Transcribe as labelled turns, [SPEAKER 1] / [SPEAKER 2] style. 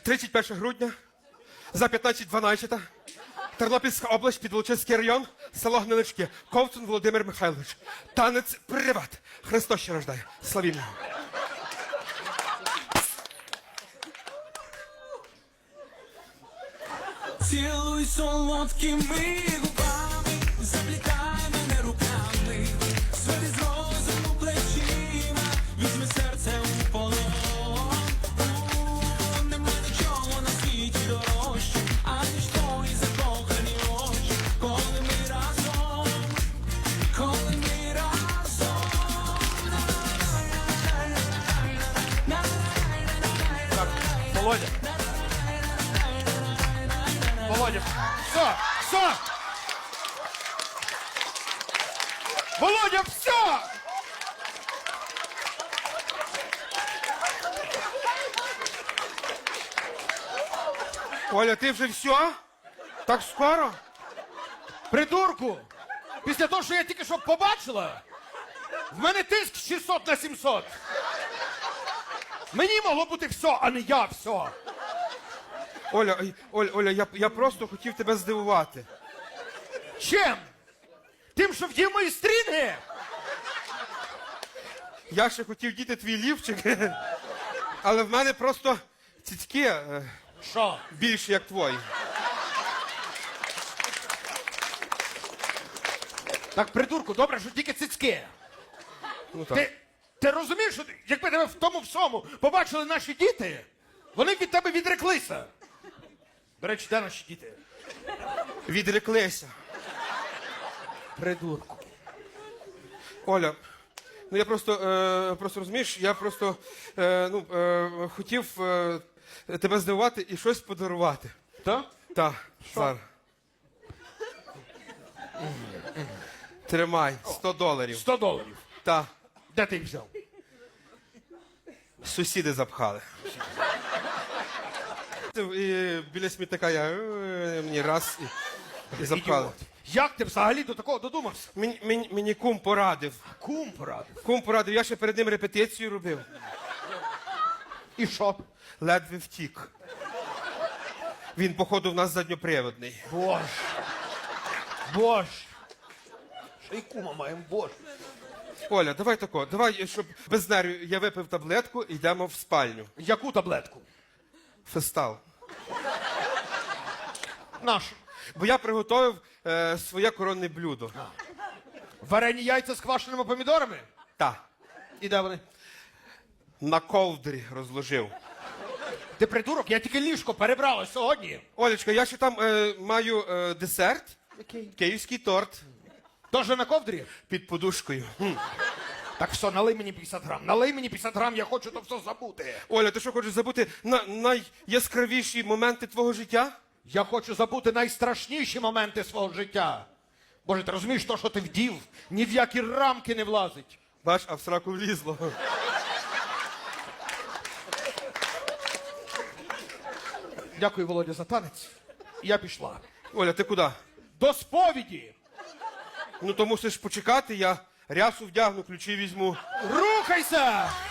[SPEAKER 1] 31 грудня, за 15:12, Тернопільська область, Підволочиський район, село Гнилички, Ковтун Володимир Михайлович. Танець приват. Христос ще рождає. Славімо.
[SPEAKER 2] Цілуй солодкими губами, заплітай мене руками, свої з розуму плечима, візьми серце у полон. Нема нічого на світі дорожче, аніж твої закохані очі, коли ми разом, коли ми разом.
[SPEAKER 3] Так, Володя. Володя, все, все! Володя, все!
[SPEAKER 1] Оля, ти вже все? Так скоро?
[SPEAKER 3] Придурку! Після того, що я тільки що побачила, в мене тиск 600/700. Мені могло бути все, а не я все.
[SPEAKER 1] Оля, я просто хотів тебе здивувати.
[SPEAKER 3] Чим? Тим, що вдів мої стрінги?
[SPEAKER 1] Я ще хотів діти твій лівчик, але в мене просто цицьки
[SPEAKER 3] Що?
[SPEAKER 1] більші, як твої.
[SPEAKER 3] Так, придурку, добре, що тільки цицьки.
[SPEAKER 1] Ну так.
[SPEAKER 3] Ти розумієш, що якби тебе в тому всьому побачили наші діти, вони б від тебе відреклися. До речі, де наші діти?
[SPEAKER 1] Відреклися.
[SPEAKER 3] Придурку.
[SPEAKER 1] Оля, ну я просто розумієш, я просто хотів тебе здивувати і щось подарувати.
[SPEAKER 3] Так?
[SPEAKER 1] Так, зараз. Тримай, $100.
[SPEAKER 3] $100.
[SPEAKER 1] Так,
[SPEAKER 3] Де ти їх взяв?
[SPEAKER 1] сусіди запхали. І біля смітника мені раз і запхали.
[SPEAKER 3] Ідіот. Як ти взагалі до такого додумався?
[SPEAKER 1] Мені кум порадив.
[SPEAKER 3] Кум порадив.
[SPEAKER 1] Кум порадив, я ще перед ним репетицію робив.
[SPEAKER 3] І що?
[SPEAKER 1] Ледве втік. Він, походу, в нас задньоприводний.
[SPEAKER 3] Боже. Боже. Ще й кума маємо, боже.
[SPEAKER 1] Оля, давай тако, давай, щоб без нервів я випив таблетку і йдемо в спальню.
[SPEAKER 3] Яку таблетку?
[SPEAKER 1] Фестал.
[SPEAKER 3] Нашу.
[SPEAKER 1] Бо я приготував своє коронне блюдо.
[SPEAKER 3] Варені яйця з квашеними помідорами?
[SPEAKER 1] Та.
[SPEAKER 3] І де вони?
[SPEAKER 1] На ковдрі розложив.
[SPEAKER 3] Ти придурок, я тільки ліжко перебрала сьогодні.
[SPEAKER 1] Олечка, я ще там маю десерт.
[SPEAKER 3] Який?
[SPEAKER 1] Київський торт
[SPEAKER 3] Тоже на ковдрі?
[SPEAKER 1] під подушкою.
[SPEAKER 3] Так все, налий мені 50 грам. Налий мені 50 грам, я хочу то все забути.
[SPEAKER 1] Оля, ти що хочеш забути найяскравіші моменти твого життя?
[SPEAKER 3] Я хочу забути найстрашніші моменти свого життя. Боже, ти розумієш, то, що ти вдів, ні в які рамки не влазить.
[SPEAKER 1] Бач, а в сраку влізло.
[SPEAKER 3] Дякую, Володя, за танець. Я пішла.
[SPEAKER 1] Оля, ти куди?
[SPEAKER 3] До сповіді!
[SPEAKER 1] Ну то мусиш почекати, я рясу вдягну, ключі візьму.
[SPEAKER 3] Рухайся!